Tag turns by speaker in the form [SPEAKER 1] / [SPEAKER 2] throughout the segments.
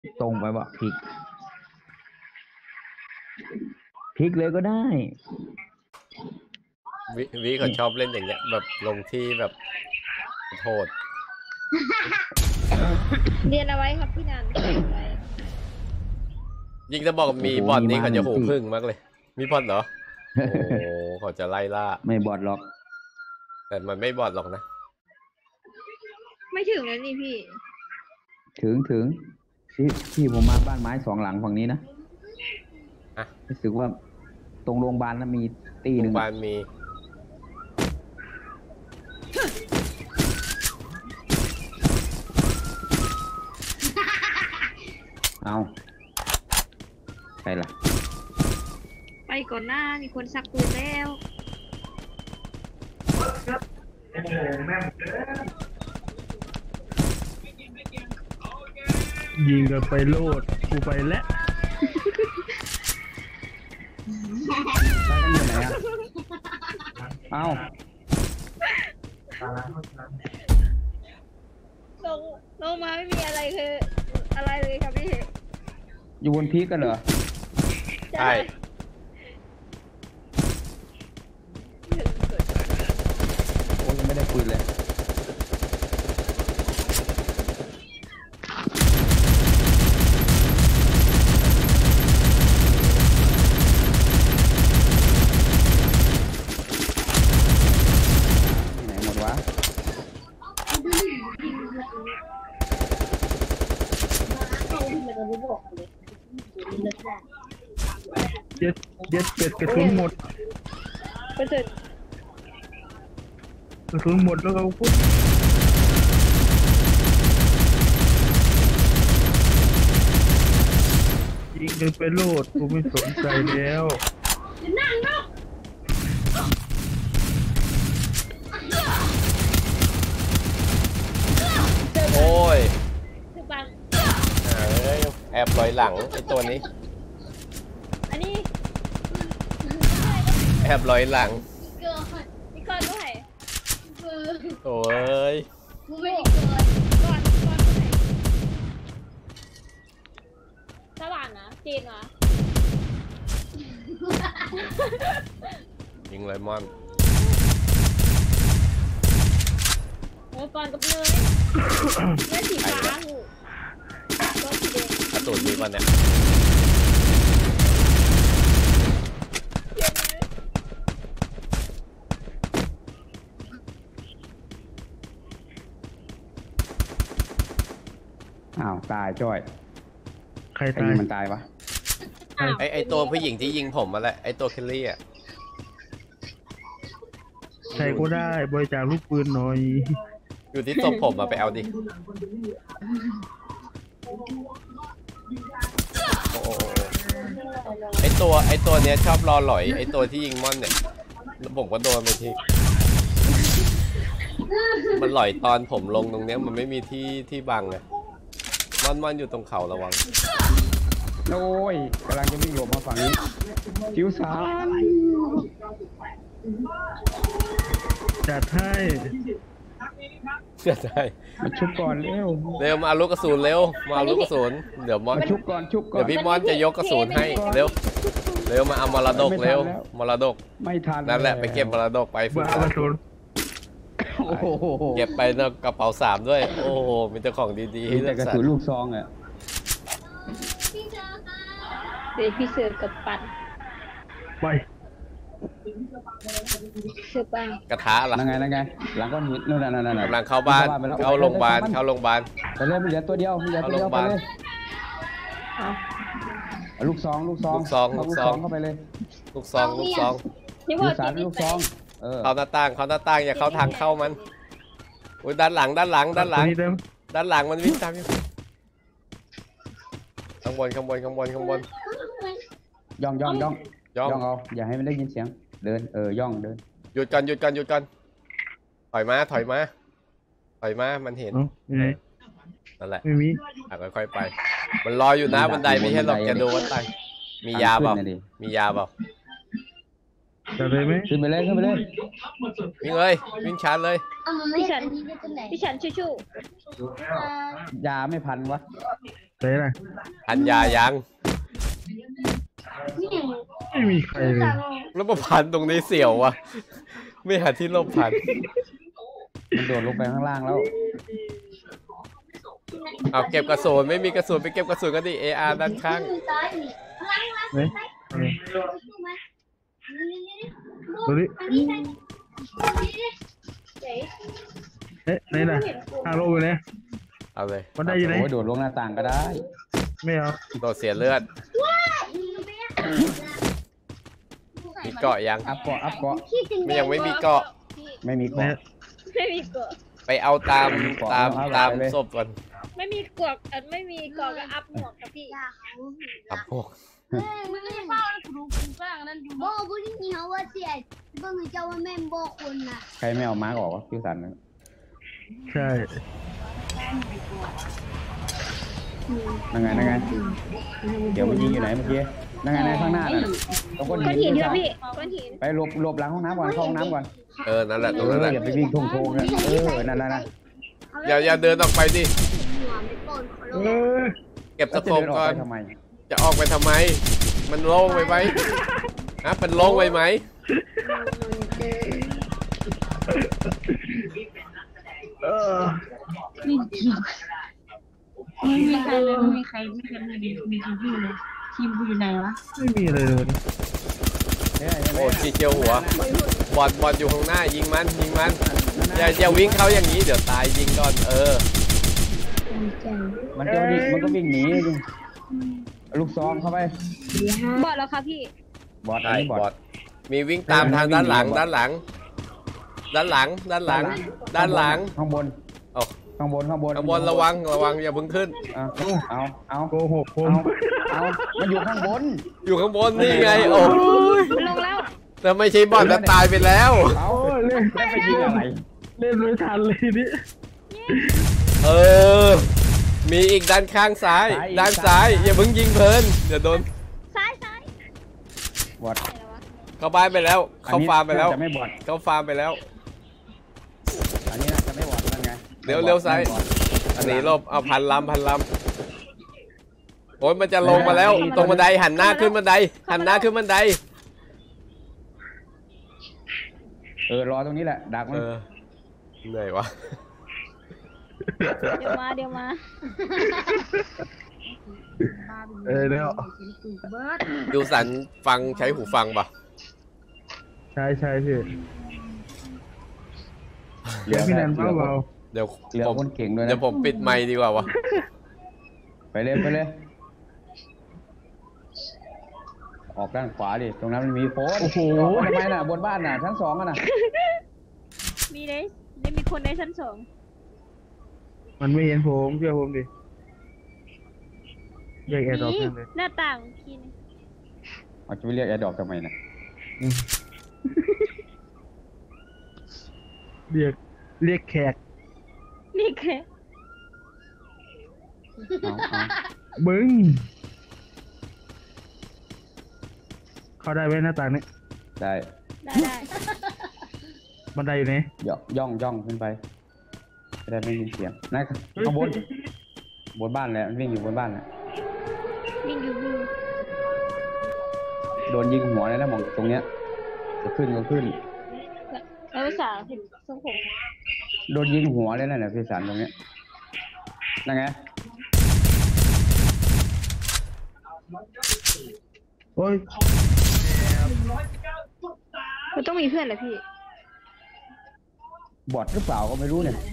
[SPEAKER 1] ตรงไปวะพลิกเลยก็ได้
[SPEAKER 2] วิเขาชอบเล่นอย่างเงี้ยแบบลงที่แบบโทษ
[SPEAKER 3] เรียนเอาไว้ครับพี่นัน
[SPEAKER 2] ยิ่งจะบอกมีบอทนี่เขาจะหูพึ่งมากเลยมีบอทเหรอโอ้เขาจะไล่ล่า
[SPEAKER 1] ไม่บอทหรอก
[SPEAKER 2] แต่มันไม่บอทหรอกนะ
[SPEAKER 3] ไม่ถึงแล้วนี่พี่
[SPEAKER 1] ถึงที่ผมมาบ้านไม้2 หลังฝั่งนี้นะรู้สึกว่าตรงโรงพยาบาลนั้นมีตีหนึ่ง
[SPEAKER 2] โรงพยาบาลมี
[SPEAKER 1] เอาใครล่ะ
[SPEAKER 3] ไปก่อนหน้ามีคนซักปืนแล้ว
[SPEAKER 4] ยิงกันไปโลดกูไปแล้ว
[SPEAKER 1] ไปกันอยู่ไหนอ่ะเอา
[SPEAKER 3] ลงมาไม่มีอะไรคืออะไรเลยครับพี่
[SPEAKER 1] อยู่บนพีกกันเหรอ
[SPEAKER 2] ใช่
[SPEAKER 1] โอ้ยังไม่ได้คุยเลยไหนหมดวะ
[SPEAKER 4] เย็ดกระสุนหมด
[SPEAKER 3] กระ
[SPEAKER 4] สุนหมดแล้วเอาปุ๊บยิงกันไปโลดกูไม่สนใจแล้ว
[SPEAKER 2] โอ้ยแอบลอยหลังไอ้ตัวนี้
[SPEAKER 3] อันนี้
[SPEAKER 2] แอบลอยหลัง
[SPEAKER 3] พี่ก้อนด้วย
[SPEAKER 2] โอ้ย
[SPEAKER 3] กูไม่ได้เกินก้อนด้วยสว่างนะจีนวะ
[SPEAKER 2] ยิงไลมอน
[SPEAKER 3] โอ้ก่อนกับเนยเนยสีฟ้าหูก็สีแดง
[SPEAKER 2] กระสุนมีวันเนี่ย
[SPEAKER 1] อ้าวตายจ้อย
[SPEAKER 4] ใครตาย
[SPEAKER 1] มันตายวะ
[SPEAKER 2] ไอตัวผู้หญิงที่ยิงผมมาแหละไอตัวเคลลี่อ่ะ
[SPEAKER 4] ใครก็ได้บริจาคลูกปืนหน่อย
[SPEAKER 2] อยู่ที่ตัวผมมาไปเอาดิโอ้ไอตัวเนี้ยชอบรอหลอยไอตัวที่ยิงม่อนเนี่ยผมก็โดนไปทีมันหลอยตอนผมลงตรงเนี้ยมันไม่มีที่บังไงม่อนอยู่ตรงเขาระวัง
[SPEAKER 1] โอ้ยกำลังจะวิ่งหลบมาฝั่งนี้จิ๋วสาร
[SPEAKER 4] จัดให้
[SPEAKER 1] มาชุบก่อน
[SPEAKER 2] เร็วมาเอาลูกกระสุนเร็วมาเอาลูกกระสุนเดี๋ยวม่อน
[SPEAKER 1] ชุบก่อน
[SPEAKER 2] เดี๋ยวพี่ม่อนจะยกกระสุนให้เร็วมาเอามรดกเร็วมรดก
[SPEAKER 1] ไม่ทัน
[SPEAKER 2] นั่นแหละไปเก็บมรดกไป
[SPEAKER 4] ฝึกกระสุน
[SPEAKER 2] เก็บไปในกระเป๋า3ด้วยโอ้โหมีแต่ของดีๆให้เลือก
[SPEAKER 1] สรรกระสุนลูกซองอ่ะ
[SPEAKER 3] เดี๋ยวพี่เสือกับปัน
[SPEAKER 4] ไป
[SPEAKER 3] เสือปัง
[SPEAKER 2] กระทะล่ะ
[SPEAKER 1] นั่งไงหลังก้อนหินนู่นนั่น
[SPEAKER 2] กำลังเข้าบ้านเข้าโรงพยาบาล
[SPEAKER 1] ไปเลยเหลือตัวเดียวไปเลยลูกซองเข้าไปเลย
[SPEAKER 2] ลูกซอง
[SPEAKER 1] ลูกสารลูกซอง
[SPEAKER 2] เข้าหน้าต่างอย่าเข้าทางเข้ามันอุ้ยด้านหลังมันวิ่งตามอยู่ข้างบน
[SPEAKER 1] ย่องเอาอย่าให้มันได้ยินเสียงเดินย่องเดิน
[SPEAKER 2] หยุดก่อนถอยมามันเห็นนั่นแหละ
[SPEAKER 4] ไม่มี
[SPEAKER 2] ค่อยๆไปมันรออยู่นะบันไดไม่ใช่หรอกจะดูว่าตายมียาเปล่า
[SPEAKER 4] จะเลยไหม
[SPEAKER 1] ขึ้นไปเลย
[SPEAKER 2] วิ่งเลยวิ่งชาร์จเลย
[SPEAKER 3] พี่ฉันชู้
[SPEAKER 1] ยาไม่พันวะ
[SPEAKER 4] ไหนล่ะ
[SPEAKER 2] พันยายัง
[SPEAKER 4] ไม่มีใครเลย
[SPEAKER 2] แล้วมาพันตรงนี้เสียววะไม่หาที่หลบพัน
[SPEAKER 1] มันโดดลงไปข้างล่างแล้ว
[SPEAKER 2] เอาเก็บกระสุนไม่มีกระสุนไปเก็บกระสุนก็ดี AR ด้านข้าง
[SPEAKER 4] เฮ้ยดูดิเอ๊ะไหนล่ะทางลงไปเนี่ย
[SPEAKER 2] เอาเลย
[SPEAKER 4] มันได้อยู่ไหน
[SPEAKER 1] โอ้ยโดดลงหน้าต่างก็ได้
[SPEAKER 4] ไม่เอา
[SPEAKER 2] โดดเสียเลือดมีเกาะยัง
[SPEAKER 1] อัพเกาะอัพเกาะ
[SPEAKER 2] ไม่ยังไม่มีเกาะ
[SPEAKER 1] ไม่มี
[SPEAKER 4] เนี่
[SPEAKER 1] เกาะ
[SPEAKER 4] ย
[SPEAKER 3] ไม่มีเกาะ
[SPEAKER 2] ไปเอาตาม
[SPEAKER 1] เอาเลย
[SPEAKER 2] ศพก่อน
[SPEAKER 3] ไม่มีเกาะไม่มีเกาะก็อัพหมวกครับพี่
[SPEAKER 2] อัพพวก
[SPEAKER 5] มันไม่เข้าแล้วกูกูกลางนั่นอยู่บ่บุนี่เขาว่าเสียบ่มีเจ้าว่าแม่นบ่คนน่ะ
[SPEAKER 1] ใครไม่เอามาร์กออกวะพี่สัน
[SPEAKER 4] ใช่
[SPEAKER 1] นั่งไงนั่งไงเดี๋ยวมันยิงอยู่ไหนเมื่อกี้นั่งไงในข้างหน้าน่ะตรงก้อน
[SPEAKER 3] ก้อน
[SPEAKER 1] หิ
[SPEAKER 3] หิ
[SPEAKER 1] น
[SPEAKER 3] นครับพี่ก้อนหิน
[SPEAKER 1] ไปหลบหลังห้องน้ำก่อนเข้าห้องน้ำก่อน
[SPEAKER 2] นั่นแหละตรง
[SPEAKER 1] เอ
[SPEAKER 2] นั้นแห
[SPEAKER 1] อ
[SPEAKER 2] ละ
[SPEAKER 1] อย่าไปวิ่งโทงๆนะนั่นนั่น
[SPEAKER 2] อย่าเดินออกไปดิ
[SPEAKER 5] หัวไม่ก่อนเขา
[SPEAKER 4] เออ
[SPEAKER 2] เก็บ
[SPEAKER 1] แล้
[SPEAKER 2] ตะ
[SPEAKER 1] วจะ
[SPEAKER 2] โข
[SPEAKER 1] เดิ
[SPEAKER 2] บ
[SPEAKER 1] นออก
[SPEAKER 2] ก่อน
[SPEAKER 1] ไปทำไม
[SPEAKER 2] จะออกไปทำไม มันโล่งไปไหมฮะมันโล่งไปไหม
[SPEAKER 4] เออ
[SPEAKER 6] ไม่มีใครเลยไม่มีใครไม่เคยมีทีมพี่เลยทีมกูอยู่ไหนวะ
[SPEAKER 4] ไม่มีอะไรเลย
[SPEAKER 2] โอ้จีเจียวหัวบอลอยู่ข้างหน้ายิงมันอย่าวิ่งเข้าอย่างนี้เดี๋ยวตายยิงก่อน
[SPEAKER 1] มันก็วิ่งหนีลูกซองเข้าไป
[SPEAKER 3] บอดแล้วครับพี่
[SPEAKER 1] บอดอัน
[SPEAKER 2] ใช่
[SPEAKER 1] นี้บอ
[SPEAKER 2] บอ
[SPEAKER 1] ด
[SPEAKER 2] ดมีวิ่งตามทางด้านหลัง
[SPEAKER 1] ด้านหลัง ข้างบน
[SPEAKER 2] โอ้
[SPEAKER 1] ข้างบน
[SPEAKER 2] ข้างบนระวังอย่าเพิ่งขึ้น
[SPEAKER 1] เอา
[SPEAKER 4] โกหกผม
[SPEAKER 1] เอามันอยู่ข้างบน
[SPEAKER 2] อยู่ข้างบนนี่ไงโอ้
[SPEAKER 3] ลงแล้ว
[SPEAKER 2] แต่ไม่ใช่บอลจะตายไปแล้ว
[SPEAKER 1] เอา
[SPEAKER 4] โอ้ยเล่น
[SPEAKER 1] แล้วไปยิงอะไร
[SPEAKER 4] เล่นไม่ทันเลยนี่
[SPEAKER 2] มีอีกด้านข้างซ้ายด้านซ้ายอย่าเพิ่งยิงเพลินเดี๋ยวโดน
[SPEAKER 3] ซ้าย
[SPEAKER 1] บอด
[SPEAKER 2] เข้าบ้านไปแล้วเข้าฟาร์มไปแล้ว
[SPEAKER 1] จะไม่บอด
[SPEAKER 2] เข้าฟาร์มไปแล้ว
[SPEAKER 1] อันนี้น่าจะไม่บอดนั่นไง
[SPEAKER 2] เร็วซ้าย อันนี้ลบเอาพันลำโอ้ยมันจะลงมาแล้วตรงบันไดหันหน้าขึ้นบันได
[SPEAKER 1] รอตรงนี้แหละดักมัน
[SPEAKER 2] เหนื่อยวะ
[SPEAKER 3] เดี๋ยวมา
[SPEAKER 4] เดี๋ยว
[SPEAKER 2] ดูสันฟังใช้หูฟังป่ะ
[SPEAKER 4] ใช่พี่เดี๋ยวพี่แนนเบา
[SPEAKER 2] เดี๋ยว
[SPEAKER 1] เหลือคนเก่งด้วยนะ
[SPEAKER 2] เดี๋ยวผมปิดไมค์ดีกว่าวะ
[SPEAKER 1] ไปเลยออกด้านขวาดิตรงนั้นมันมีโฟน
[SPEAKER 4] โอ้โห
[SPEAKER 1] ทำไมน่ะบนบ้านน่ะชั้น 2อ่ะน่ะ
[SPEAKER 3] มีได้มีคนในชั้น 2
[SPEAKER 4] มันไม่เห็นผมเชื่อผมดิแยกแอร์ดรอป
[SPEAKER 3] นี่
[SPEAKER 4] เลย
[SPEAKER 3] หน้าต่างพี่
[SPEAKER 1] เอาจะไปเรียกแอร์ดรอปทำไมน่ะ
[SPEAKER 4] เรียกแขก
[SPEAKER 3] นี่แค่
[SPEAKER 1] เอา
[SPEAKER 4] บึ้งเข้าได้ไหมหน้าต่างนี้
[SPEAKER 1] ได้
[SPEAKER 3] ได้
[SPEAKER 4] บันไดอยู่ไหน
[SPEAKER 1] ย่องขึ้นไปจะได้ไม่ยินเสียงนั่นข้างบนบ้านแหละมันวิ่งอยู่บนบ้านแหละ
[SPEAKER 3] วิ่งอยู่
[SPEAKER 1] โดนยิงหัวเลยนะมองตรงเนี้ยจะขึ้นก็ขึ้น
[SPEAKER 3] แล้วภาษาทรงผม
[SPEAKER 1] โดนยิงหัวเลยนะพี่สันตรงเนี้ยนั่นไง
[SPEAKER 4] โอ้ย
[SPEAKER 3] มันต้องมีเพื่อนเหรอพี่
[SPEAKER 1] บอดหรือเปล่าก็ไม่รู้เนี่ย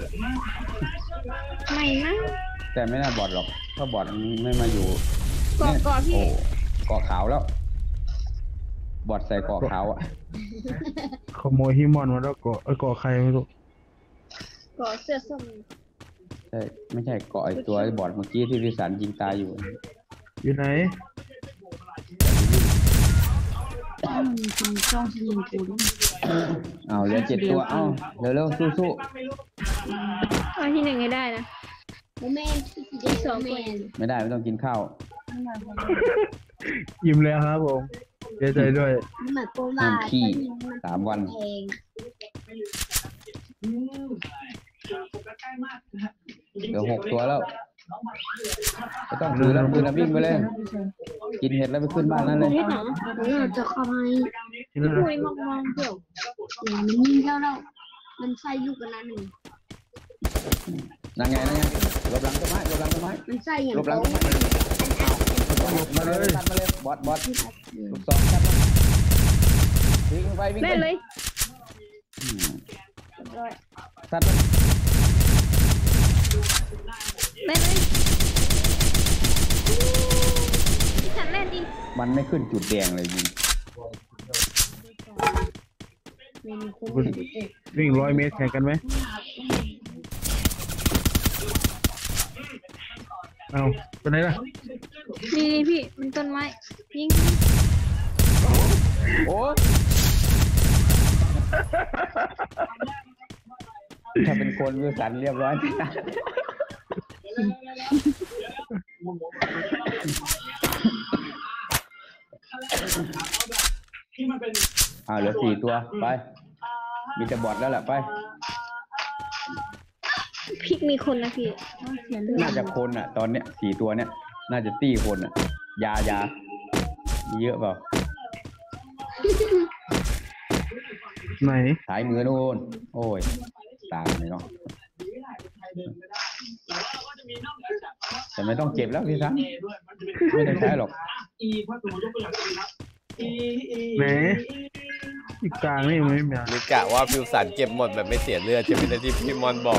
[SPEAKER 3] ไม่นะ
[SPEAKER 1] แต่ไม่น่าบอดหรอกถ้าบอดมันไม่มาอยู่
[SPEAKER 3] เกาะพี่
[SPEAKER 1] โอ้เกาะขาวแล้ว บอดใส่เกาะขาวอ่ะ
[SPEAKER 4] ขโมยฮิมอนมาแล้วเกาะใครไม่รู้
[SPEAKER 3] เกาะเสื้อส้ม
[SPEAKER 1] ใช่ไม่ใช่เกาะไอตัวไอ้บอดเมื่อกี้ที่พี่สันยิงตายอยู่
[SPEAKER 4] อยู่ไหน
[SPEAKER 6] คุณจ้องจะยิงกูด้วย
[SPEAKER 1] เอาเหลือ7 ตัวเอาเร็วๆสู้
[SPEAKER 3] เอาที่ 1ให้ได้นะ
[SPEAKER 5] บ่แม่นที่สิได้2แม่น
[SPEAKER 1] ๆไม่ได้ไม่ต้องกินข้าว
[SPEAKER 4] ยิ้มแล้วครับผมเสียใจด้วย
[SPEAKER 5] มันหมายความว่า
[SPEAKER 1] ขี้3 วัน
[SPEAKER 5] แพง
[SPEAKER 1] เหลือ6 ตัวแล้วไม่ต้องถือแล้วปืนวิ่งไปเลยกินเห็ดแล้วไปขึ้นบ้านนั่นเลย
[SPEAKER 3] เฮ็ดหนัง
[SPEAKER 5] จะเข้าให้
[SPEAKER 4] ที่นั่น
[SPEAKER 3] คุยมองเกี่ยว
[SPEAKER 5] มันยิงเท่าเรามันใส่ลูกกันนั่นหนึ่ง
[SPEAKER 1] นั่งไงหลบหลังต้นไม้หลบหลังต้นไม้
[SPEAKER 5] มันใส่อย่าง
[SPEAKER 1] หลบหลังต้นไม้มาเลยตัดมาเลยบอสลูกศรตัดมาวิ่งไปวิ่ง
[SPEAKER 3] เล่น
[SPEAKER 1] ไป
[SPEAKER 3] เลย
[SPEAKER 1] ตัดมา
[SPEAKER 3] เล่นเลยพี่ฉันเล่นดิ
[SPEAKER 1] มันไม่ขึ้นจุดแดงเลยยิง
[SPEAKER 4] วิ่ง100 เมตรแข่งกันไหมเอาไปไหนล่ะ
[SPEAKER 3] นี่พี่มันต้นไม้ยิง
[SPEAKER 1] โอ้ถ้าเป็นคนวิวสันเรียบร้อยเหลือ4 ตัวไปมีแต่บอทแล้วแหละไป
[SPEAKER 3] พริกมีคนนะพี่อย่าลืม
[SPEAKER 1] น่าจะคนอ่ะตอนเนี้ย4 ตัวเนี้ยน่าจะตี้คนอ่ะยามีเยอะเปล่า
[SPEAKER 4] ไหน
[SPEAKER 1] สายมือนู่นโอ้ยตามเลยเนาะแต่ไม่ต้องเก็บแล้วพี่ซันไม่ต้องใช้หรอก
[SPEAKER 4] ไหนอีกกลางนี่มันไม่มี
[SPEAKER 2] นี่กะว่าฟิวสันเก็บหมดแบบไม่เสียเลือดใช่ไหมที่พี่มอนบอก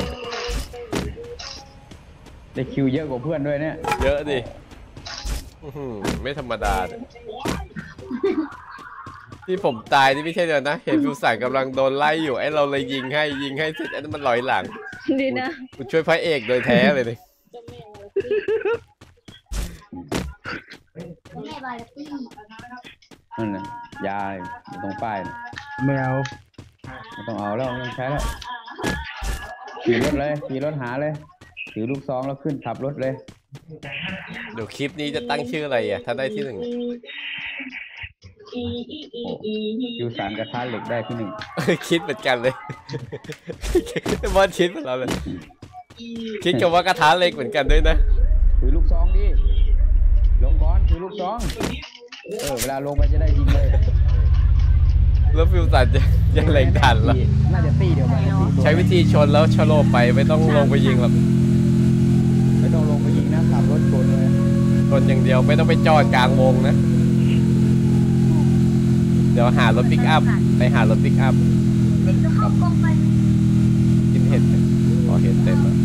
[SPEAKER 1] ได้คิวเยอะกว่าเพื่อนด้วยเนี่ย
[SPEAKER 2] เยอะดิไม่ธรรมดาเลยที่ผมตายนี่ไม่ใช่เดียวนะเห็นฟิวสันกำลังโดนไล่อยู่ไอ้เราเลยยิงให้เสร็จไอ้นั่นมันลอยหลัง
[SPEAKER 3] ดีนะ
[SPEAKER 2] กูช่วยพระเอกโดยแท้เลยนี่
[SPEAKER 5] แม่บาลตี้
[SPEAKER 1] นั่นน่ะยาตรงป้ายน่ะ
[SPEAKER 4] ไม่เอา
[SPEAKER 1] ไม่ต้องเอาแล้วไม่ต้องใช้แล้วขี่รถเลยขี่รถหาเลยถือลูกซองแล้วขึ้นขับรถเลย
[SPEAKER 2] เดี๋ยวคลิปนี้จะตั้งชื่ออะไรอ่ะถ้าได้ที่ 1
[SPEAKER 1] คิวสารกระทะเหล็กได้ที่
[SPEAKER 2] คิดเหมือนกันเลยมอนคิดเหมือนเราเลยคิดกับว่ากระทะเล็กเหมือนกันด้วยนะ
[SPEAKER 1] 1ถือลูกซองดิลงก่อนถือลูกซองเวลาลงไปจะได้ยิงเลย
[SPEAKER 2] แล้วฟิวสันจะเล็งทันละ
[SPEAKER 1] น่าจะตีเดียวกัน4 ตัว
[SPEAKER 2] ใช้วิธีชนแล้วชะโลบไปไม่ต้องลงไปยิงหรอก
[SPEAKER 1] ไม่ต้องลงไปยิงนะขับรถชนเลย
[SPEAKER 2] ชนอย่างเดียวไม่ต้องไปจอดกลางวงนะเดี๋ยวหารถปิกอัพไปหารถปิกอัพ
[SPEAKER 5] เด็กต้องเข้ากองไป
[SPEAKER 2] กินเห็ดพอเห็ดเต็มแล้ว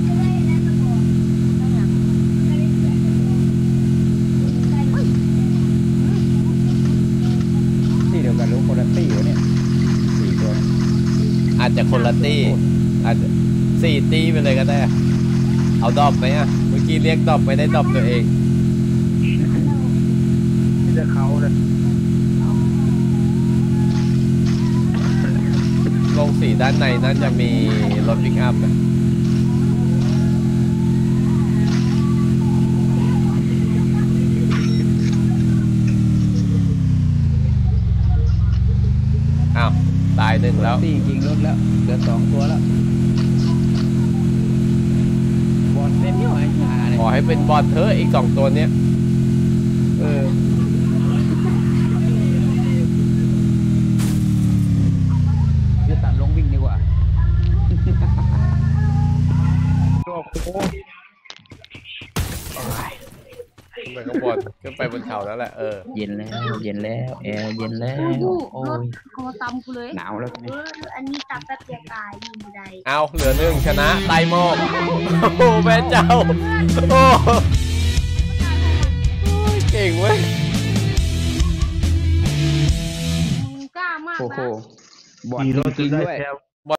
[SPEAKER 1] ตีเดียวกันหรือคนละตีวะเนี่ย4 ตัว
[SPEAKER 2] อาจจะคนละตี้อาจจะ4 ตี้ไปเลยก็ได้เอาดรอปไหมอ่ะเมื่อกี้เรียกดรอปไม่ได้ดรอปตัวเอง
[SPEAKER 4] ที่จะเขาเลย
[SPEAKER 2] ลงสีด้านในนั่นจะมีรถปิกอัพนะอ้าวตาย1แล้ว
[SPEAKER 1] ตียิงรถแล้วเหลือ2 ตัวแล้วบอลเล่นย่อยขาเลย
[SPEAKER 2] ขอให้เป็นบอลเถอะอีก2 ตัวเนี้ย
[SPEAKER 1] จะตัดลงวิ่งดีกว่า
[SPEAKER 4] ตัวโค้
[SPEAKER 2] ขึ้นไปข้างบนขึ้นไปบนเขาแล้วแหละ
[SPEAKER 1] เย็นแล้วแอร์เย็นแล้ว
[SPEAKER 5] ดู
[SPEAKER 1] โอ้
[SPEAKER 5] รถ
[SPEAKER 1] ย
[SPEAKER 5] คอตำกูเลย
[SPEAKER 1] หนาวแล้วทีนี้
[SPEAKER 5] อันนี้ตำแป๊บเดียวตายยิงไม่ได้
[SPEAKER 2] เอาเหลือ1ชนะไตโมกโอ้แม่เจ้าโอ้เก่งเว้ย
[SPEAKER 5] กล้ามาก
[SPEAKER 1] โอ้โห
[SPEAKER 5] นะ
[SPEAKER 1] บอล
[SPEAKER 4] ขี่รถ
[SPEAKER 1] จริง
[SPEAKER 4] ได้
[SPEAKER 1] ๆด้วย
[SPEAKER 4] แชมป์